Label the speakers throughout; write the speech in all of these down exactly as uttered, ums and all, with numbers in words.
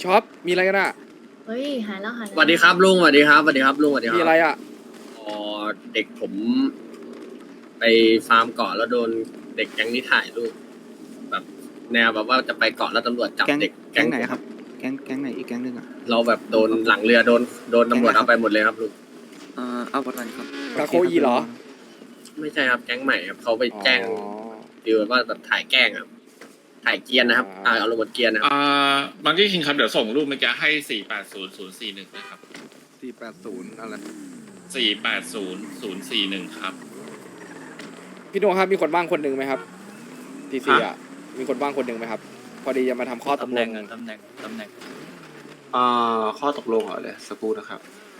Speaker 1: ช็อปมีอะไรกันอ่ะ
Speaker 2: เฮ้ยหายแล้วหาย
Speaker 3: ส
Speaker 2: แล้ว
Speaker 3: วัสดีครับลุงสวัสดีครับสวัสดีครับลุงสวัสดีค
Speaker 1: มี
Speaker 3: รับ
Speaker 1: อะไรอ่ะ
Speaker 3: อ๋อเด็กผมไปฟาร์มเกาะแล้วโดนเด็กแก๊งนี้ถ่ายรูปแบบแนวแบบว่าจะไปเกาะแล้วตำรวจจับ
Speaker 4: แก๊ง
Speaker 3: เด็ก
Speaker 4: แก๊งไหนครับ แก๊งแก๊งไหนอีกแก๊งหนึ่งอ่ะ
Speaker 3: เราแบบโดนหลังเรือโดนโดนตำรวจ
Speaker 4: แก๊งอะไรครับ
Speaker 3: เอาไปหมดเลยครับลุง
Speaker 4: เอ่อเอาประกันครับ
Speaker 1: กาโคอีเหรอ
Speaker 3: ไม่ใช่ครับแก๊งใหม่ครับเขาไปแจ้ง
Speaker 1: อ๋อ
Speaker 3: ฟีลว่าแบบถ่ายแกล้งครับถ่ายเกรียนนะครับ
Speaker 1: อ่า
Speaker 3: ถ่ายเอาลงบนเกรียนนะครับ
Speaker 5: อ่าบางที่คิงครับเดี๋ยวส่งรูปเมื่อกี้ให้สี่แปดศูนย์ศูนย์สี่หนึ่งเลยครับ
Speaker 4: สี่แปดศูนย์อะไร
Speaker 5: สี่แปดศูนย์ศูนย์สี่หนึ่งครับ
Speaker 1: พี่โนครับมีคนบ้างคนหนึ่งไหมครับทีซี
Speaker 5: ฮะ
Speaker 1: อ่ะมีคนบ้างคนหนึ่งไหมครับ พอดีจะมาทำข้อตก
Speaker 6: ตำ
Speaker 1: ล
Speaker 6: แหน่
Speaker 1: ง
Speaker 6: งอะตำแหน่งตำแหน่ง
Speaker 4: อ่าข้อตกลงเหรอเลยสักครู่นะครับ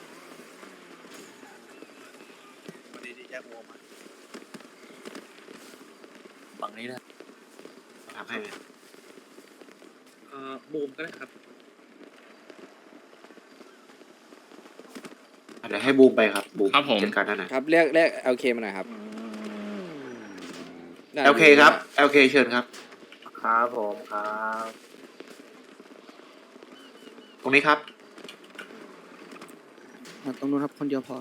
Speaker 6: ฝั่งนี้นะ
Speaker 4: ทำให้
Speaker 5: เอ่อบูมก็ได้ครับ
Speaker 4: เดี๋ยวให้บูมไปครับบูม
Speaker 5: ครับผม
Speaker 4: จัดการท่านหน่อย
Speaker 1: ครับเรียกเรียกเอลเคมาหน่อยครับน่า
Speaker 4: โอเคครับโอเคเชิญครับ
Speaker 3: ครับผมครับ
Speaker 4: ตรงนี้ครับ
Speaker 7: ตรงนู้นครับคนเดียวพอ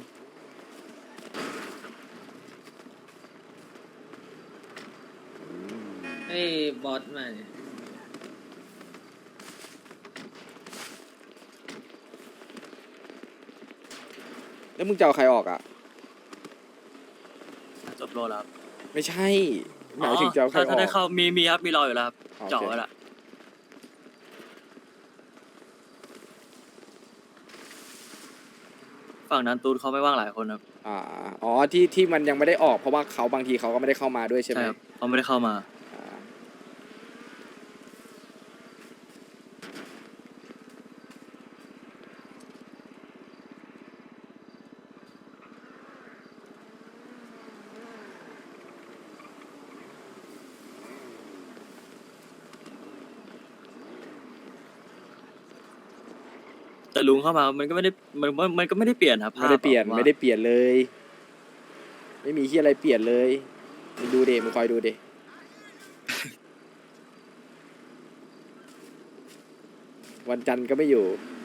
Speaker 6: ให้บอสมาเนี่ย
Speaker 1: แล้วมึงจะเอาใครออกอ่ะ
Speaker 6: จบโลแล้วครับ
Speaker 1: ไม่ใช่หมายถึงจะเอาใครอ
Speaker 6: ถ้า
Speaker 1: อก
Speaker 6: ถ้าได้เข้ามีมีครับมีรออยู่แล้วครับ
Speaker 1: โอเค
Speaker 6: เจ่อไว้ละ ฝั่งนั้นตูนเขาไม่ว่างหลายคนครับ
Speaker 1: อ่าอ๋อที่ที่มันยังไม่ได้ออกเพราะว่าเขาบางทีเขาก็ไม่ได้เข้ามาด้วยใช่ไหม
Speaker 6: ใช่ครับเขาไม่ได้เข้ามา
Speaker 1: อ่า
Speaker 6: แต่ลุงเข้ามามันก็ไม่ได้มันมันมันก็ไม่ได้เปลี่ยนครับ
Speaker 1: ไม่ได้เปลี่ยน
Speaker 6: ภาพอะ
Speaker 1: ไม่ได้เปลี่ยนเลย ไม่มีที่อะไรเปลี่ยนเลยมึงดูเดมึงคอยดูเด วันจันทร์ก็ไม่อยู่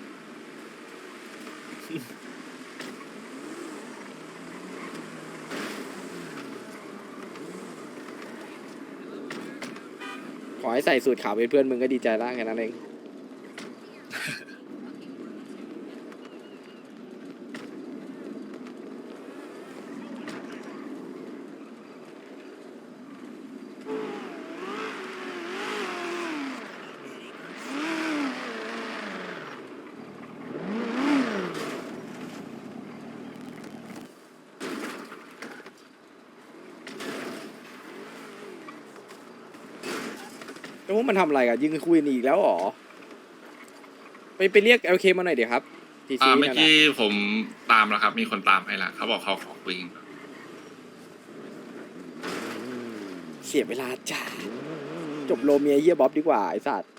Speaker 1: ขอให้ใส่สูตรขาวเป็นเพื่อนมึงก็ดีใจแล้วแค่นั้นเอง แล้วพวกมันทำอะไรกันยิงคุยกันอีกแล้วเหรอ ไปไปเรียก แอล เค มาหน่อยเดี๋ยวครับทีซี
Speaker 5: อ่าเมื่อ
Speaker 1: นั่น
Speaker 5: กี้
Speaker 1: น่ะ
Speaker 5: ผมตามแล้วครับ มีคนตามให้แล้วเขาบอกเขาขอคุยกันก่อน
Speaker 1: เสียเวลาจ้าจบโลเมียเฮียบ๊อบดีกว่าไอ้สัตว์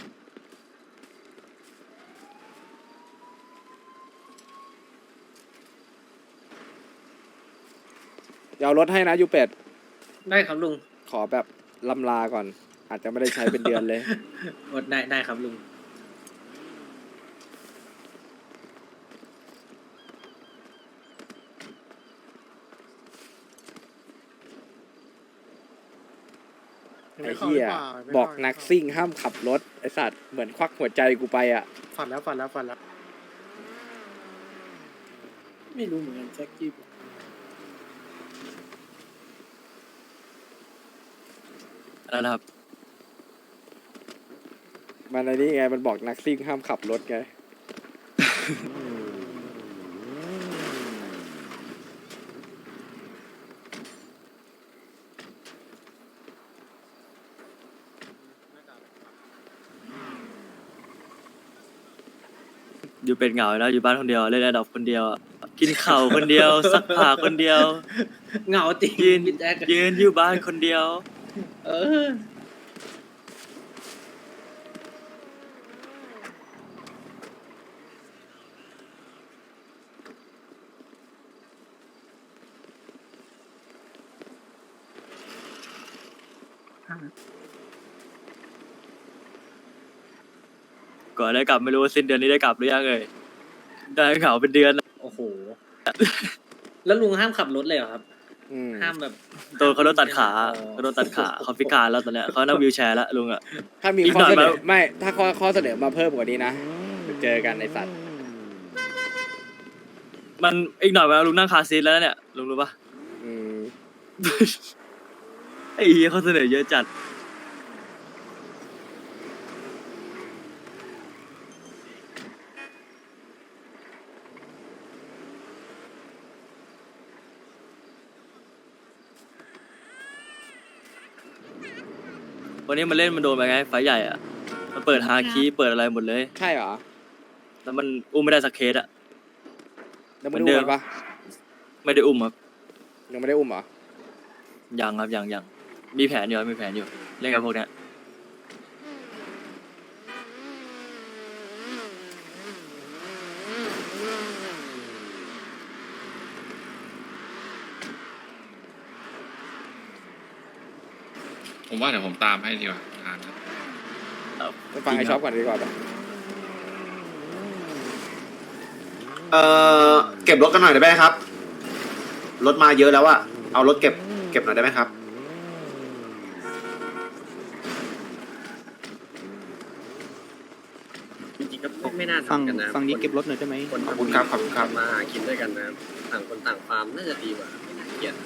Speaker 1: เดี๋ยวเอารถให้นะยูเป็ด
Speaker 6: ได้ครับลุง
Speaker 1: ขอแบบลำลาก่อน อาจจะไม่ได้ใช้เป็นเดือนเลย
Speaker 6: อดได้ได้ครับลุง
Speaker 1: ไอ้เหี้ยบอกนักซิ่งห้ามขับรถไอ้สัตว์เหมือนควักหัวใจกูไปอ่ะ
Speaker 8: ฝันแล้วฝันแล้วฝันแล้ว ไม่รู้เหมือนกันแจ็คกี้
Speaker 6: อะไรนะครับ
Speaker 1: มันอะไรนี่ไงมันบอกนักซิ่งห้ามขับรถไง
Speaker 6: อยู่เป็นเหงาแล้วอยู่บ้านคนเดียวเล่นแอดดอปคนเดียวอะกินข้าวคนเดียว ซักผ้าคนเดียว
Speaker 8: เหงาจริง
Speaker 6: ยืน
Speaker 8: พี่แจ็ค
Speaker 6: ยืนอยู่บ้านคนเดียว
Speaker 8: เออ
Speaker 6: ก่อนได้กลับไม่รู้ว่าสิ้นเดือนนี้ได้กลับหรือยังเลยได้เหงาเป็นเดือนอะ
Speaker 8: โอ้โห แล้วลุงห้ามขับรถเลยเหรอครับ
Speaker 1: อืม
Speaker 8: ห้ามแบบ
Speaker 6: โดนเขาโดนตัดขา
Speaker 8: อ๋อ
Speaker 6: เขาโดนตัดขาเขาพิการแล้วตอนเนี้ยเขานั่งวีลแชร์แล้วลุงอ่ะ
Speaker 1: ถ้ามี
Speaker 6: อีก
Speaker 1: ข้อ
Speaker 6: หน่อย
Speaker 1: เสนอ
Speaker 6: มา
Speaker 1: ไม่ ถ้าข้อข้อเสนอมาเพิ่มกว่านี้นะเดี๋ยวเจอกันในสัตว์
Speaker 6: มันอีกหน่อยมาลุงนั่งคาร์ซีทแล้วนะเนี่ยลุงรู้ปะ
Speaker 1: อืม
Speaker 6: ไอ้เหี้ยเขาเสนอเยอะจัดวันนี้มันเล่นมันโดนไปไงไฟใหญ่อ่ะมันเปิดฮาคีเปิดอะไรหมดเลย
Speaker 1: ใช่เหรอ
Speaker 6: แล้วมันอุ้มไม่ได้สักเคสอ่ะ
Speaker 1: ยังไม่ได้
Speaker 6: เหมือนเดิ
Speaker 1: อุ้
Speaker 6: ม
Speaker 1: มปะ
Speaker 6: ไม่ได้อุ้มครับ
Speaker 1: ยังไม่ได้อุ้มเหรอ
Speaker 6: ยังครับยังยังมีแผนอยู่ครับมีแผนอยู่เล่นกับพวกเนี้ย
Speaker 5: ผมว่าเดี๋ยวผมตามให้ดีกว่าทางนั้น
Speaker 1: ไปฟังไอ้ช็อปก่อนดีกว่าปะ
Speaker 4: เอ่อเก็บรถกันหน่อยได้ไหมครับ รถมาเยอะแล้วอะเอารถเก็บเก็บหน่อยได้ไหมครับ
Speaker 3: จริงๆก็ไม่น่า
Speaker 2: ฟัง
Speaker 3: ทำกันนะ
Speaker 2: ฟังนี้เก็บรถหน่อยได้ไหม
Speaker 3: คน
Speaker 4: ขอบคุณครับขอบคุณครับ
Speaker 3: มาหากินด้วยกันนะต่างคนต่างฟาร์มน่าจะดีกว่าไม่น่าเกลียด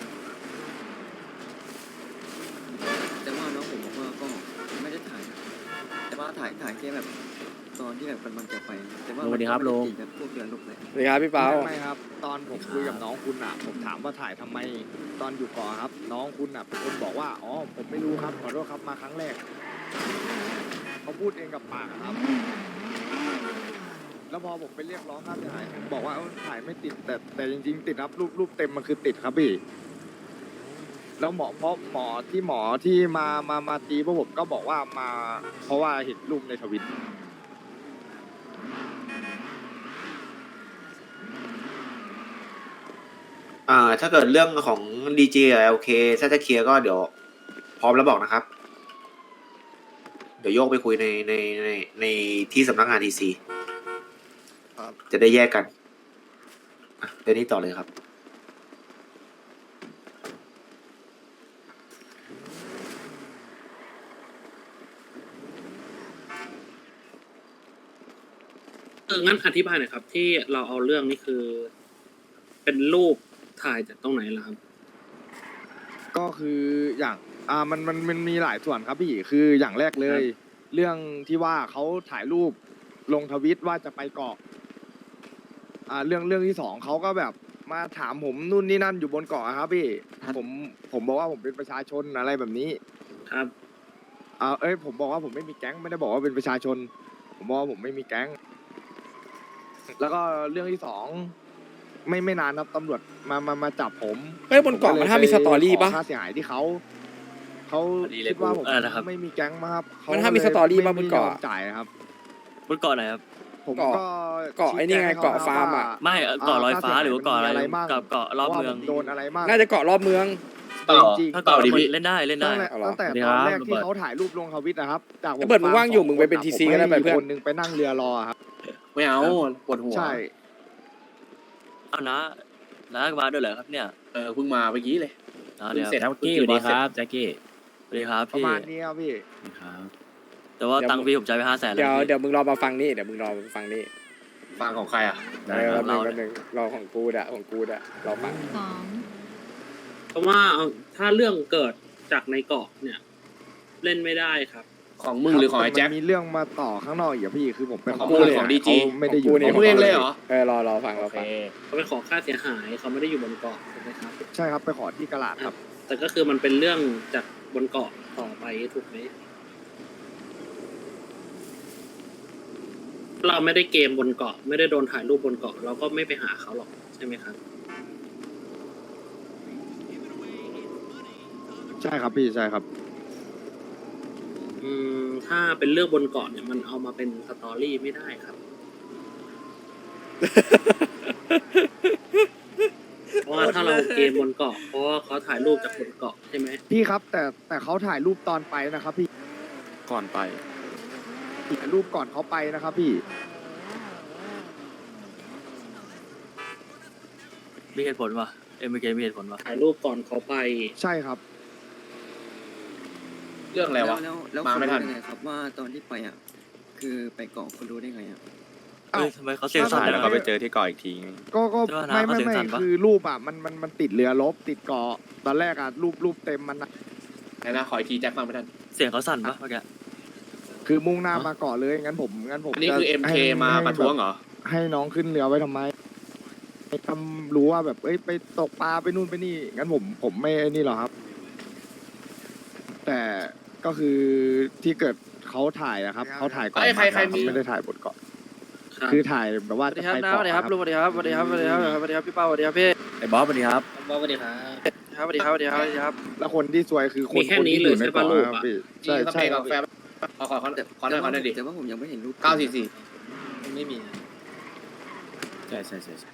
Speaker 7: แต่ว่าน้องผมบอกว่าก็ไม่ได้ถ่ายนะแต่ว่าถ่ายถ่ายแค่แบบตอนที่แบบกำลังจะไปแต่ว่า
Speaker 2: สวัสดีครับลุง
Speaker 7: แบบพวกเดือนลุกเลย
Speaker 1: สวัสดีครับพี่เปา
Speaker 9: ไม่ครับ ตอนผมคุยกับน้องคุณอ่ะ ผมถามว่าถ่ายทำไมตอนอยู่ก่อครับ น้องคุณอ่ะเป็นคนบอกว่าอ๋อผมไม่รู้ครับขอโทษครับมาครั้งแรกเขาพูดเองกับปากอะครับ แล้วพอผมไปเรียกร้องค่าเสียหายผมบอกว่าเอ้าถ่ายไม่ติดแต่แต่จริงๆ ติดครับรูปรูปเต็มมันคือติดครับพี่แล้วหมอเพราะหมอที่หมอที่มามามาตีพวกผมก็บอกว่ามา เพราะว่าเห็นรูปในทวิต
Speaker 4: อ่าถ้าเกิดเรื่องของดีเจโอเคถ้าจะเคลียร์ก็เดี๋ยวพร้อมแล้วบอกนะครับ เดี๋ยวโยกไปคุยในในในในที่สำนักงานทีซีจะได้แยกกันอ่ะเดี๋ยวนี้ต่อเลยครับ
Speaker 10: เอองั้นอธิบายหน่อยครับ ที่เราเอาเรื่องนี้คือ เป็นรูปถ่ายจากตรงไหนล่ะครับ
Speaker 9: ก็คืออย่างอ่ามันมันมันมีหลายส่วนครับพี่คืออย่างแรกเลย เรื่องที่ว่าเขาถ่ายรูปลงทวิตว่าจะไปเกาะอ่าเรื่องเรื่องที่สองเขาก็แบบมาถามผมนู่นนี่นั่นอยู่บนเกาะครับพี่ผมผมบอกว่าผมเป็นประชาชนอะไรแบบนี้
Speaker 10: ครับ
Speaker 9: อ่าเอ้ยผมบอกว่าผมไม่มีแก๊งไม่ได้บอกว่าเป็นประชาชน ผมบอกว่าผมไม่มีแก๊ง แล้วก็เรื่องที่สองไม่ไม่นานครับตำรวจมามามาจับผม
Speaker 1: เฮ้ยบนเกาะมันห้ามมีสตอรี่ปะ
Speaker 9: ขอค่าเสียหายที่เขาเขาคิดว่าผมไม่มีแก๊งมาครับเข
Speaker 1: มันห้ามมีสตอรี่ปะ
Speaker 9: ไม่
Speaker 1: บนเกาะ
Speaker 9: ไม่ยอมจ่ายครับ
Speaker 6: บนเกาะไหนครับ
Speaker 9: ผม
Speaker 1: เกาะ
Speaker 9: ก็
Speaker 1: เกาะไอ้นี่ไง
Speaker 9: ชี้แจให้
Speaker 1: เกาะฟาร์มอะ
Speaker 9: ว่
Speaker 6: ไม่เอ่อเกาะลอยฟ้าหรือว่าเกาะอะไร
Speaker 9: มีอะไรบ้าง
Speaker 6: กับเกาะรอบเมือง
Speaker 9: ว่าผมโดนอะไรบ้าง
Speaker 1: น่าจะเกาะรอบเมือง
Speaker 9: แต่จริงๆ
Speaker 6: ถ้าเกาะรอบเมืองเล่นได้เล่นได้
Speaker 9: ตั้งแต่
Speaker 1: เอาเหรอ
Speaker 9: ตั้งแต่
Speaker 6: สวัสดี
Speaker 9: ต
Speaker 6: ค
Speaker 9: อ
Speaker 6: รั
Speaker 9: น
Speaker 6: บ
Speaker 9: แรกที่
Speaker 6: โรเบิร์ต
Speaker 9: เขาถ่ายรูปลงทวิตนะครับจาก
Speaker 1: ไอ้เบิร์ดมึงว่างอยู่มึงไปเป็น
Speaker 9: ผม
Speaker 1: ทีซีก็ได้ไปเพื่อน
Speaker 9: ผมให้คนหนึงไปนั่งเรือรอครับ
Speaker 2: ไม่เอาปวดหัว
Speaker 9: ใช่
Speaker 6: เอานะนะมาด้วยเหรอครับเนี่ย
Speaker 2: เออเพิ่งมาเมื่อกี้เลย
Speaker 6: อ่าเดี๋ยว
Speaker 2: เสร็จ
Speaker 6: ส
Speaker 2: แจ็คกี้สวัสดีครับแจ็คกี้
Speaker 6: วัสดีครับ
Speaker 9: ประ
Speaker 6: พี่
Speaker 9: มาณนี้ครับพี่
Speaker 2: ครับ
Speaker 6: แต่ว่าตังค์พี่ผมจ่ายไปห้าแสนแล้
Speaker 1: เดี๋ยว
Speaker 6: ว
Speaker 1: เดี๋ยวมึงรอมาฟังนี่เดี๋ยวมึงรอมาฟังนี่
Speaker 2: ฟังของใครอ่ะ
Speaker 1: เออแป๊บนึงแป๊บนึงรอของกูดอะของกูดอะรอฟัง
Speaker 11: สอง
Speaker 10: เพราะว่าเอาถ้าเรื่องเกิดจากในเกาะเนี่ย เล่นไม่ได้ครับ
Speaker 2: ของมึงหรือของไอ้แจ็ค
Speaker 9: มันมีเรื่องมาต่อข้างนอกอีกอะพี่คือผมไป
Speaker 2: ของ
Speaker 9: ข
Speaker 2: กูเลยของ ดีจี
Speaker 9: เขาไม่ได้อยู่
Speaker 1: ของกูนี่
Speaker 2: ของมึงเองเลยเหรอ
Speaker 1: เออรอรอฟังร
Speaker 2: โอ
Speaker 1: อ
Speaker 2: เค
Speaker 1: ฟัง
Speaker 10: เขาไปขอค่าเสียหายเขาไม่ได้อยู่บนเกาะถูกไหมครับ
Speaker 9: ใช่ครับไปขอที่กระลาดครับ
Speaker 10: แต่ก็คือมันเป็นเรื่องจากบนเกาะต่อไปถูกไหมเราไม่ได้เกมบนเกาะ ไม่ได้โดนถ่ายรูปบนเกาะ เราก็ไม่ไปหาเขาหรอกใช่ไหมครับ
Speaker 9: ใช่ครับพี่ใช่ครับ
Speaker 10: อืมถ้าเป็นเรื่องบนเกาะเนี่ยมันเอามาเป็นสตอรี่ไม่ได้ครับ เพราะว่าถ้าเราเกมบนเกาะเพราะว่าเขาถ่ายรูปจากบนเกาะใช่ไหม
Speaker 9: พี่ครับแต่แต่เขาถ่ายรูปตอนไปนะครับพี่
Speaker 2: ก่อนไป
Speaker 9: ใถ่ายรูปก่อนเขาไปนะครับพี่
Speaker 6: มีเหตุผลวะเอ็มเคมีเหตุผลวะ
Speaker 10: ถ่ายรูปก่อนเขาไป
Speaker 9: ใช่ครับ
Speaker 2: เรื่องอะไรวะ
Speaker 7: แล้วแล้ว
Speaker 2: มา
Speaker 7: คุณ
Speaker 2: ไม่ทั
Speaker 7: รู้
Speaker 2: น
Speaker 7: ได้ไงครับว่าตอนที่ไปอ่ะคือไปเกาะคุณรู้ได้ไงอ่ะ
Speaker 6: เอ้ยทำไมเขาเสียงสั่น
Speaker 9: ถ่ายแล้วก็ไปเจอ
Speaker 6: ที่ก่ออีกที
Speaker 9: ก็ก็
Speaker 6: ใช่ปะนะ
Speaker 9: ไม่
Speaker 6: เขา
Speaker 9: ไม่
Speaker 6: เสียง
Speaker 9: ไม่
Speaker 6: สั่นปะ
Speaker 9: คือรูปอ่ะมันมันมันติดเรือลบติดเกาะตอนแรกอ่ะรูปรูปเต็มมันอะ
Speaker 2: ไหนนะขออีกทีแจ็คฟังไม่ทัน
Speaker 6: เสียงเขาสั่นปะเมื่อกี้
Speaker 9: คือมุ่งหน้ามาเกาะเลยงั้นผมงั้นผม
Speaker 2: อันนี้คือ
Speaker 9: จะ
Speaker 2: เอ็มเค
Speaker 9: ให้
Speaker 2: มา
Speaker 9: ให้
Speaker 2: ประท้วงเหรอ
Speaker 9: ให้น้องขึ้นเรือไว้ทำไมให้ทำรู้ว่าแบบเอ้ยไปตกปลาไปนู่นไปนี่งั้นผมผมไม่ไอ้นี่หรอกครับ แต่ก็คือที่เกิดเขาถ่ายอะครับเขาถ่ายก่อน
Speaker 2: เอ้ยใครใคร
Speaker 9: มา
Speaker 2: มี
Speaker 9: เขาไม่ได้ถ่ายบนเกาะ
Speaker 10: ครับ
Speaker 9: คือถ่ายแบบว่า
Speaker 1: สวัสดี
Speaker 9: จะ
Speaker 1: ครับ
Speaker 9: ไป
Speaker 1: นะส
Speaker 9: เกาะ
Speaker 1: วัสดีครับ
Speaker 9: อะ
Speaker 1: ลุงสวัสดีครับสวัสดีครับสวัสดีครับสวัสดีครับพี่เป้าสวัสดีครับพี่
Speaker 6: ไอ้บอสสวัสดีครับ
Speaker 8: บอสสวัสดีครับ
Speaker 1: ครับสวัสดีครับสวัสดีครับสวัสดีครับ
Speaker 9: แล้วคนที่ซวยคือคน
Speaker 10: มีแค่
Speaker 9: คน
Speaker 10: นี้
Speaker 9: ที่
Speaker 10: เล
Speaker 9: อย ยู่ใน
Speaker 10: ใช่ปะ
Speaker 9: เกาะ
Speaker 10: รูป
Speaker 9: ครับ
Speaker 10: อะ
Speaker 9: พี่
Speaker 2: นี่
Speaker 9: ใช่
Speaker 2: กาแฟ
Speaker 9: ใช่ค
Speaker 2: กา
Speaker 9: รับ
Speaker 2: แฟขอขอขอขอหน่อยขอหน่อยดิ
Speaker 7: แต่ว่าผมยังไม่เห็นรูป
Speaker 2: เก้าสี่สี่
Speaker 8: ไม่มี
Speaker 6: ใช่ใช่ใช่ใช่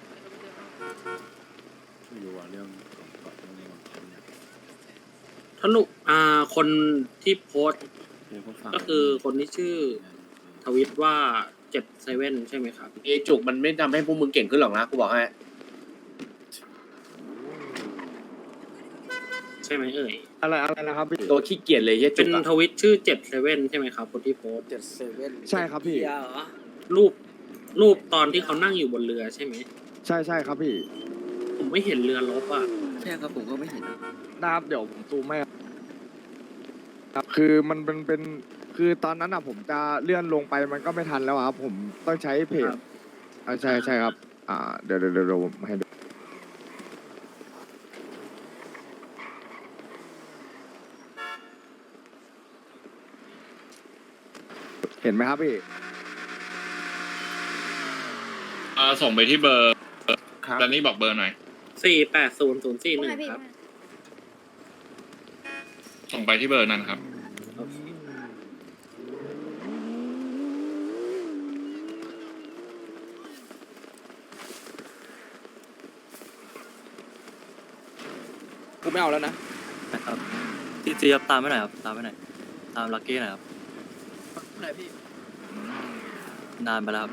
Speaker 6: ไม่รู้ว่าเรื่องเกาะเรื่องนี้ของเขาเนี่ย
Speaker 10: ทนุอ่าคนที่โพสต์
Speaker 6: เดี๋ยวผมฟัง
Speaker 10: ก็คือคนที่ชื่อทวิตว่าเจ็ดเซเว่นใช่ไหมครับ
Speaker 2: ไอจุกมันไม่ทำให้พวกมึงเก่งขึ้นหรอกนะกูบอกให้
Speaker 10: ใช่ไหมเอ่ย
Speaker 9: อะไรอะไรนะครับพี่
Speaker 2: ตัวขี้เกียจเลยเฮีย
Speaker 10: เป็
Speaker 2: จุ
Speaker 10: น
Speaker 2: กอะ
Speaker 10: ทวิตชื่อเจ็ดเซเว่นใช่ไหมครับ คนที่โพสต์
Speaker 1: เจ็ดเซเว่น
Speaker 9: ใช่ครับพี่
Speaker 1: เหรอ
Speaker 10: รูปรูปตอนที่เขานั่งอยู่บนเรือใช่ไหม
Speaker 9: ใช่ใช่ครับพี่
Speaker 10: ผมไม่เห็นเรือลบอ่ะ
Speaker 7: ใช่ครับผมก็ไม่เห็นนะ
Speaker 9: นะครับเดี๋ยวผมซูมให้ครับคือมันเป็นเป็นคือตอนนั้นอ่ะผมจะเลื่อนลงไปมันก็ไม่ทันแล้วอะครับ ผมต้องใช้เพจ
Speaker 10: ครับ
Speaker 9: อ่าใช่ใช่ครับ อ่าเดี๋ยวเดี๋ยวเดี๋ยวเดี๋ยวผมให้ดูเห็นไหมครับพี่
Speaker 5: เออส่งไปที่เบอร์
Speaker 4: ครับ
Speaker 5: แล้วนี่บอกเบอร์หน่อย
Speaker 10: สี่แปดศูนย์ศูนย์สี่หนึ่งครับ
Speaker 5: ส่งไปที่เบอร์นั้นครับ
Speaker 1: กูไม่เอาแล้วนะ
Speaker 6: นะครับที่จีครับตามไปหน่อยครับตามไปหน่อยตามลักกี้หน่อยครับ
Speaker 1: ไหนพี่
Speaker 6: นานไปแล้วครับ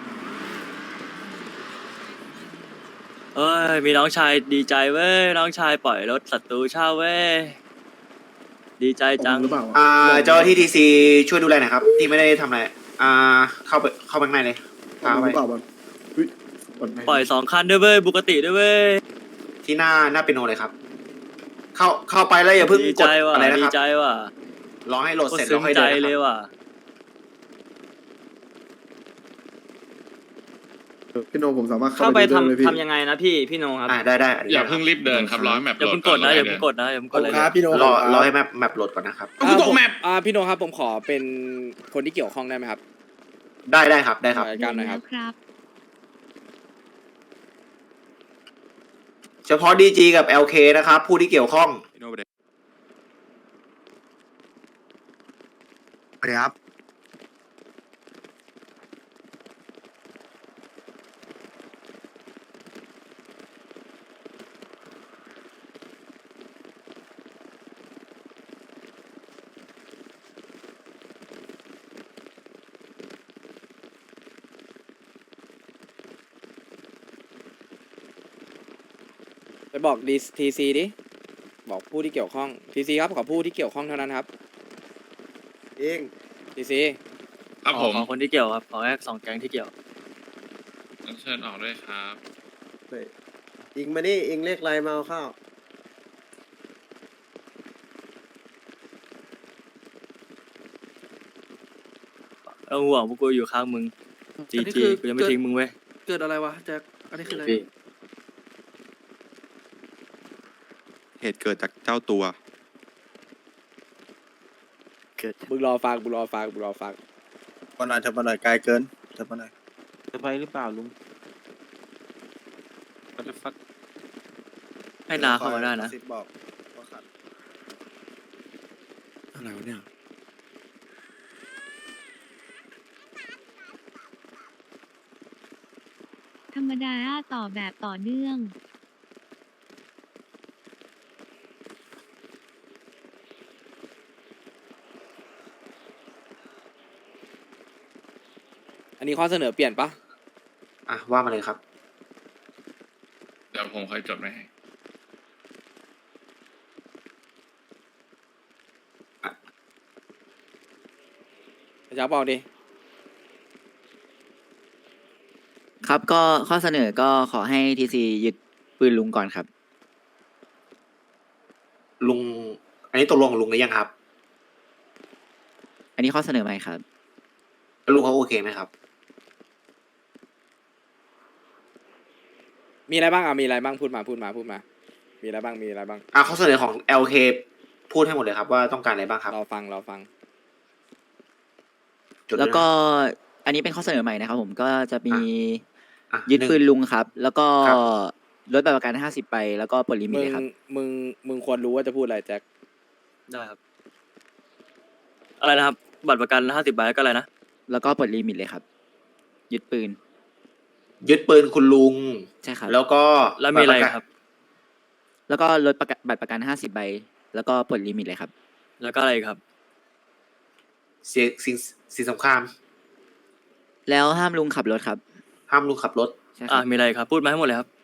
Speaker 6: เอ้ยมีน้องชายดีใจเว้ยน้องชายปล่อยรถศัตรูเช่าเว้ยดีใจจัง
Speaker 4: อ่าเจ้าหน้าที่ทีซีช่วยดูแลหน่อยครับ ที่ไม่ได้ทำอะไรอ่าเข้าไปเข้าไปข้างในเลยพาเข้าไป
Speaker 6: ปล่อยสองคันด้วยเว้ยบุกติด้วยเว้ย
Speaker 4: ที่หน้าหน้าเปียโนเลยครับ เข้าเข้าไปแล้วอย่าเพิ่ง
Speaker 6: ดี
Speaker 4: ก
Speaker 6: ใจ
Speaker 4: ด
Speaker 6: ว่ะ
Speaker 4: อะไรนะ
Speaker 6: ดี
Speaker 4: ครับ
Speaker 6: ใจว่ะ
Speaker 4: รอให้โหลด
Speaker 6: โคต
Speaker 4: เสร็
Speaker 6: ร
Speaker 4: จ
Speaker 6: ซึ้
Speaker 4: แล้ว
Speaker 6: ง
Speaker 4: ค่อย
Speaker 6: ใจ
Speaker 4: เดินนะ
Speaker 6: เลย
Speaker 4: ครับ
Speaker 6: ว่ะ
Speaker 11: พี่โนผมสามารถ
Speaker 8: เข้าไป
Speaker 11: ดูด้ลยพี่
Speaker 8: ทำทำยังไงนะพี่พี่โนครับ
Speaker 4: อ่าได้ได้
Speaker 5: อย่าเพิ่งรีบเดินครับร้อยแมป
Speaker 6: อย่าเพิ่งกดนะอย่าเพิ่งกดนะอย่าเพิ่งกดเลย
Speaker 4: รอรอให้แมปแมปโหลดก่อนนะครับ
Speaker 1: อ่าผมอ่าพี่โนครับผมขอเป็นคนที่เกี่ยวข้องได้ไหมครับ
Speaker 4: ได้ได้ครับได้ครับ
Speaker 1: รายการหน่อยครับ
Speaker 4: เฉพาะดีจีกับ แอล เค นะครับ ผู้ที่เกี่ยวข้อง
Speaker 11: สวัสดีครับ
Speaker 1: ไปบอกดีทีซีดิบอกผู้ที่เกี่ยวข้องทีซีครับขอผู้ที่เกี่ยวข้องเท่านั้นครับ
Speaker 11: เอง
Speaker 1: ทีซี
Speaker 5: ครับ
Speaker 6: ข
Speaker 5: ผ
Speaker 6: อ
Speaker 5: ม
Speaker 6: ขอคนที่เกี่ยวครับขอแค่สองแก๊งที่เกี่ยว
Speaker 5: เชิญออกด้วยครับ
Speaker 11: อิงมานี่อิงเลขไรมาเอาข้าว
Speaker 6: เอาห่วงพวกกูอยู่ข้างมึงจีจีกูยังไม่ทิ้งมึงเว้ย
Speaker 1: เกิดอะไรวะแจ็คอันนี้คืออะไร
Speaker 11: เหตุเกิดจากเจ้าตัว
Speaker 6: เกิด
Speaker 1: มึงรอฟังมึงรอฟังมึงรอฟัง
Speaker 11: วันนั้นเธอมาหน่อยไกลเกินเธอมาหน่อย
Speaker 8: จะไปหรือเปล่าลุง
Speaker 6: ให้นาเข้ามาได้นะ
Speaker 11: บอกว่าขัด
Speaker 1: อะไรวะเนี่ย
Speaker 12: ธรรมดาต่อแบบต่อเนื่อง
Speaker 1: นนี้ข้อเสนอเปลี่ยนปะ
Speaker 4: อ่ะว่ามาเลยครับ
Speaker 5: เดี๋ยวผมค่อยจดไว้ให้
Speaker 1: จะบอกดิ
Speaker 7: ครับก็ข้อเสนอก็ขอให้ทีซียึดปืนลุงก่อนครับ
Speaker 4: ลุง อันนี้ตกลงกับลุงหรือยังครับ
Speaker 7: อันนี้ข้อเสนอใหม่ครับ
Speaker 4: แล้วลุงเขาโอเคไหมครับ
Speaker 1: มีอะไรบ้างอ่ะมีอะไรบ้างพูดมาพูดมาพูดมา มีอะไรบ้างมีอะไรบ้าง
Speaker 4: อ่ะข้อเสนอของ แอล เค พูดให้หมดเลยครับว่าต้องการอะไรบ้างครับ
Speaker 1: เราฟังเราฟัง
Speaker 4: จดด้วยนะ
Speaker 7: แล้วก็อันนี้เป็นข้อเสนอใหม่นะครับผมก็จะมี
Speaker 4: อ่ะ
Speaker 7: ยึด
Speaker 4: หนึ่ง
Speaker 7: ปืนลุงครับ แล้วก็
Speaker 4: ครับ
Speaker 7: ลดใบประกันห้าสิบไปแล้วก็ปลดลิมิต
Speaker 1: มึง
Speaker 7: เลยครับ
Speaker 1: มึงมึงควรรู้ว่าจะพูดอะไรแจ็ค
Speaker 6: ได้ครับ อะไรนะครับ บัตรประกันห้าสิบใบก็อะไรนะ
Speaker 7: แล้วก็ปลดลิมิตเลยครับ ยึดปืน
Speaker 4: ยึดปืนคุณลุง
Speaker 7: ใช่ครับ
Speaker 4: แล้วก็
Speaker 6: แล้วมีอะไรครับ
Speaker 7: แล้วก็ลดประกันบัตรประกันห้าสิบใบแล้วก็ปลดลิมิตเลยครับ
Speaker 6: แล้วก็อะไรครับ
Speaker 4: เสียสิ่งสิ่งสำคัญ
Speaker 7: แล้วห้ามลุงขับรถครับ
Speaker 4: ห้ามลุงขับรถ
Speaker 7: ใช่ค
Speaker 6: อ่า
Speaker 7: รับ
Speaker 6: มีอะไรครับ พูดมาให้หมดเลยครับ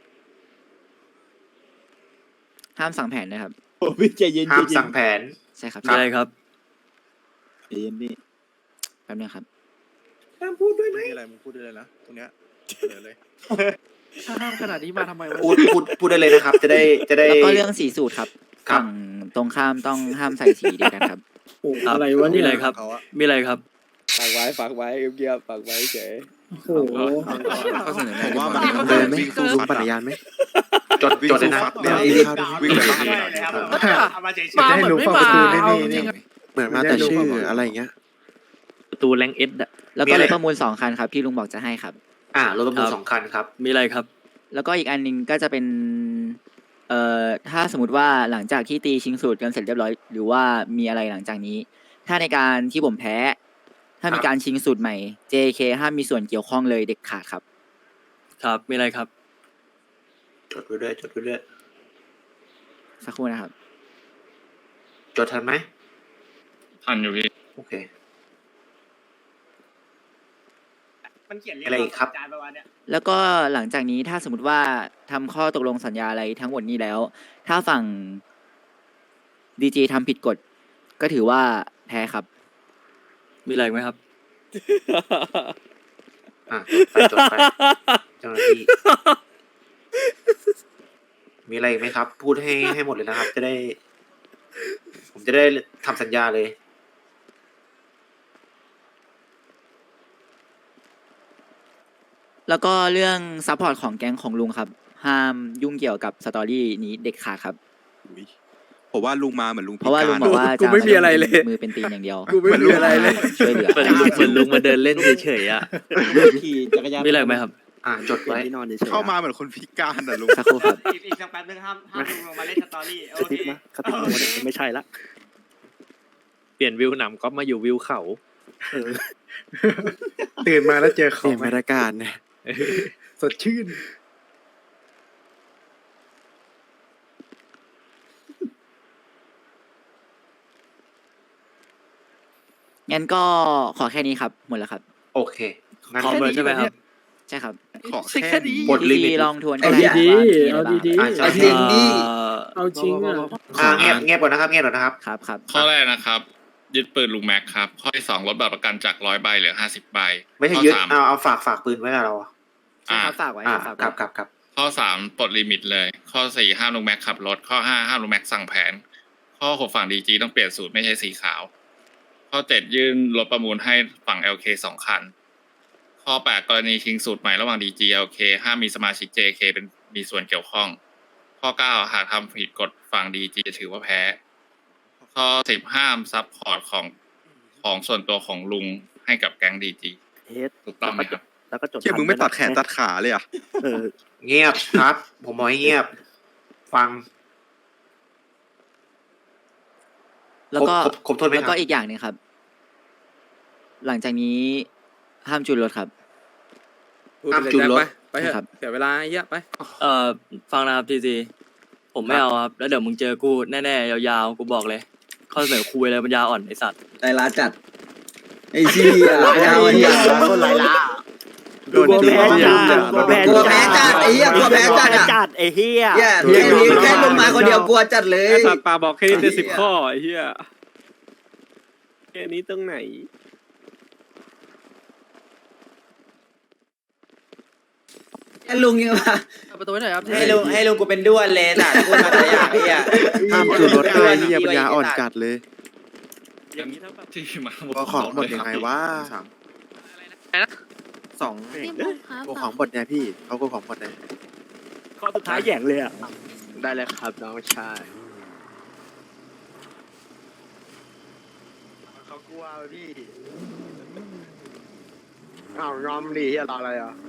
Speaker 7: ห้ามสั่งแผนนะครับ
Speaker 1: โอ้พี่ใจเย็น
Speaker 4: ห้ามสั่งแผน
Speaker 7: ใช่ครับ
Speaker 6: มีอะไรครับ
Speaker 7: ใจเย็นพี่แป๊บนึงครับ
Speaker 4: ห้ามพูดด้วยไหม
Speaker 11: มีอะไรมึงพูดได้เลยนะ ตรงเนี้ยเสนอเลย
Speaker 8: ถ้าห้ามขนาดนี้มาทำไมวะ
Speaker 4: พูดพูดพูดได้เลยนะครับ จะได้จะได้
Speaker 7: แล้วก็เรื่องสีสูตรครับ
Speaker 4: ครับ
Speaker 7: ฝั่งตรงข้ามต้องห้ามใส่สีเดียวกันครับ
Speaker 8: โอ้โห
Speaker 6: ครับ
Speaker 8: อะไรวะ
Speaker 6: มี
Speaker 8: เนี่ย
Speaker 6: อะไรครับ
Speaker 11: เขาอะ
Speaker 6: มีอะไรครับ
Speaker 1: ฝากไว้ฝากไว้เงียบๆฝากไว้เฉย
Speaker 8: โอ้โห
Speaker 9: ข้อเสนอ
Speaker 11: ผมว่า
Speaker 9: ให
Speaker 11: มัน
Speaker 9: เดิน
Speaker 11: วิ่
Speaker 9: วิ่
Speaker 11: ง
Speaker 9: ง
Speaker 11: สู้
Speaker 9: สู้
Speaker 11: ฟั
Speaker 9: ฟั
Speaker 11: ด
Speaker 9: ด
Speaker 11: อะ
Speaker 9: จักรยานไหม
Speaker 4: จดจดเลยนะ
Speaker 11: เดี๋ยววิ่งไปบ้าน
Speaker 8: มาเหมือนไม่มาเอาจริง
Speaker 9: เหมือนมาแต่ชื่ออะไรอย่างเงี้ย
Speaker 6: ประตูแรงเอสอะ
Speaker 7: แล้วก็รถประมูลสองคันครับที่ลุงบอกจะให้ครับ
Speaker 4: อ่ารถประมูล
Speaker 6: ครับ
Speaker 4: สองคันครับ
Speaker 6: มีอะไรครับ
Speaker 7: แล้วก็อีกอันหนึงก็จะเป็น เอ่อ ถ้าสมมติว่าหลังจากที่ตีชิงสูตรกันเสร็จเรียบร้อย หรือว่ามีอะไรหลังจากนี้ ถ้าในการที่ผมแพ้ ถ้ามีการชิงสูตรใหม่ เจ เค ห้ามมีส่วนเกี่ยวข้องเลยเด็ดขาดครับ
Speaker 6: ครับ มีอะไรครับ
Speaker 4: จดไว้ด้วยจดไว้ด้วย
Speaker 7: สักครู่นะครับ
Speaker 4: จดทันไหม
Speaker 5: ทันอยู่พี่
Speaker 4: โอเค
Speaker 8: มันเขียน
Speaker 4: อะไรอีกครับ
Speaker 8: จานประมาณเนี้ย
Speaker 7: แล้วก็หลังจากนี้ถ้าสมมติว่าทำข้อตกลงสัญญาอะไรทั้งหมดนี้แล้ว ถ้าฝั่งดีจีทำผิดกฎ ก็ถือว่าแพ้ครับ
Speaker 6: มีอะไรอีกไหมครับ
Speaker 4: อ่ะจดไปจดไปเจ้าหน้าที่ มีอะไรอีกไหมครับ พูดให้ให้หมดเลยนะครับ จะได้ ผมจะได้ทำสัญญาเลย
Speaker 7: แล้วก็เรื่องซัพพอร์ตของแก๊งของลุงครับ ห้ามยุ่งเกี่ยวกับสตอรี่นี้เด็ดขาดครับ
Speaker 11: อุ๊ยผมว่าลุงมาเหมือนลุง
Speaker 7: เพราะว่าลุงบอกว่า
Speaker 1: กู
Speaker 7: จะ
Speaker 1: ไม่มีอะไรเลย
Speaker 7: มือเป็นตีนอย่างเดียว
Speaker 1: กูไม่มีอะไรเลย
Speaker 7: ช่วยเหลือ
Speaker 6: เหมือนลุงเหมือนลุงมาเดินเล่นเฉยๆอ่ะ
Speaker 8: ขี่จักรยาน
Speaker 6: มีอะไรอีกไหมครับ
Speaker 4: อ่ะจดไว้
Speaker 8: ที่นอนเฉยๆ
Speaker 11: เข้ามาเหมือนคนพิการอ่ะลุง
Speaker 7: สักครู่ครับ
Speaker 8: อีกอีกสักแป๊บนึงห้ามห้ามลงมาเล่นสตอรี่โอก
Speaker 9: ระ
Speaker 8: เค
Speaker 9: ติบนะกระติบตัวเนี่ยไม่ใช่ละ
Speaker 6: เปลี่ยนวิวหนำก็มาอยู่วิวเขา
Speaker 9: ตื่นมาแล้วเจอเขา
Speaker 11: เปลี่ยนบรรยากาศเนี่ย
Speaker 9: สดชื่น
Speaker 7: งั้นก็ขอแค่นี้ครับ หมดแล้วครับ
Speaker 4: โอเค งั้น
Speaker 6: พร้อมเลยใช่ไหมครับ
Speaker 7: ใช่ครับ
Speaker 11: ขอแค่นี้
Speaker 4: บทลิมิต
Speaker 7: ดีๆลองทวนก็
Speaker 8: เอา
Speaker 7: ได้
Speaker 8: ดี
Speaker 7: ว่ามี
Speaker 8: ๆ
Speaker 7: อะไร
Speaker 8: เอา
Speaker 7: บ้าง
Speaker 8: ดี
Speaker 4: อ่ะ
Speaker 8: ๆ
Speaker 4: จริงดิ
Speaker 8: เอาจริงอ่ะ
Speaker 4: อ่ะเงียบเงียบก่อนนะครับ เงียบก่อนนะครับ
Speaker 7: ครับครับ
Speaker 5: ข้อแรกนะครับ ยึดปืนลุงแม็กครับ ข้อที่สองลดบัตรประกันจากร้อยใบเหลือห้าสิบใบ
Speaker 4: ไม่ใช่
Speaker 5: ข้อ
Speaker 4: ยึด
Speaker 5: สาม
Speaker 4: เอาเอาฝากฝากปืนไว้กับเราอ่ะ
Speaker 7: ใช่ครับฝากไว้
Speaker 4: อ่า
Speaker 7: ครับฝาก
Speaker 4: ค
Speaker 7: ไว้
Speaker 4: รับครับครับ
Speaker 5: ข้อสามปลดลิมิตเลย ข้อสี่ห้ามลุงแม็กขับรถ ข้อห้าห้ามลุงแม็กสั่งแผน ข้อหกฝั่งดีจีต้องเปลี่ยนสูตรไม่ใช่สีขาว ข้อเจ็ดยื่นรถประมูลให้ฝั่ง แอล เค สองคัน ข้อแปดกรณีชิงสูตรใหม่ระหว่าง ดี จี แอล เค ห้ามมีสมาชิก เจ เค เป็นมีส่วนเกี่ยวข้อง ข้อเก้าหากทำผิดกฎฝั่ง ดี จี จะถือว่าแพ้ ข้อสิบห้ามซัพพอร์ตของของส่วนตัวของลุงให้กับแก๊ง ดี จี
Speaker 9: เฮ็ด
Speaker 5: ถูกต้องไหมครับ
Speaker 9: แล้วก็จด
Speaker 11: เชี่ยมึงไม่ตัดแขนตัดขาเลยอ่ะ
Speaker 9: เออ
Speaker 4: เงียบครับ ผมบอกให้เงียบ ฟัง
Speaker 7: แล้วก็
Speaker 4: ครบครบถ้วนไหมครับ
Speaker 7: แล้วก็อีกอย่างหนึงครับ หลังจากนี้ห้ามจูนรถครับ
Speaker 1: พูด
Speaker 4: ห้าม
Speaker 1: ไปเลย
Speaker 4: จุด
Speaker 1: แจ็ค
Speaker 4: รถ
Speaker 1: ไปไปเถ
Speaker 7: ครั
Speaker 1: อะ
Speaker 7: บ
Speaker 1: เสียเวลาไอ้เหี้ยไป
Speaker 6: เอ่อฟังนะครับทีซีผมไม่
Speaker 4: ครับ
Speaker 6: เอาครับ แล้วเดี๋ยวมึงเจอกูแน่ๆยาวๆกูบอกเลย ข้อเสนอคุยอะไรปัญญาอ่อนไอสัตว์
Speaker 8: ใจร้าจัด ไอ้ชี้อ่ะยาวไอ้เหี้ย
Speaker 9: คนไรล่ะ
Speaker 11: โดนตี
Speaker 6: แพ้
Speaker 11: เหี้ย
Speaker 6: จัด
Speaker 11: โดน
Speaker 6: กลัว
Speaker 11: ตี
Speaker 6: แพ้จัดไอ้เหี้ยกลัวแพ้จัดจัดไอ้เหี้ยแค่นี้แค่ลงมาคนเดียวกลัวจัดเลย
Speaker 9: สัตว์ป่าบอกแค่นี้เป็นสิบข้อไอ้เหี้ยแค่นี้ตรงไหน
Speaker 6: ลุงยังมา
Speaker 8: ประตูไหนครับ
Speaker 6: ให้ลุงให้ลุงกูเป็นด้วนเลยจ้ะกูมาแต่อย่างไอ้เหี้ย
Speaker 11: ห้ามจูนรถด้วยเหี้ยปัญญาอ่อนจัดเลย
Speaker 5: อย่างนี้ที่มา
Speaker 11: เอาของหมดยังไงวะ
Speaker 9: สอง
Speaker 12: พี่บุ๊คครับ
Speaker 11: กูของหมดไงพี่เขากูของหมดไง
Speaker 6: ข้อสุดท้ายแย่งเลยอ่ะ
Speaker 9: ได้เลยครับน้องชายเขากลัวพี่อ้าวยอมดีเฮียรออะไรอ่ะ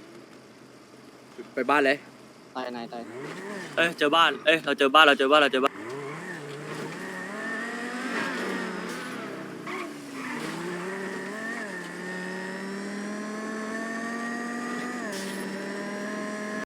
Speaker 1: ไปบ้านเลย
Speaker 8: ตายนายตาย
Speaker 6: เอ้ยเจอบ้านเอ้ยเราเจอบ้านเราเจอบ้านเราเจอบ้าน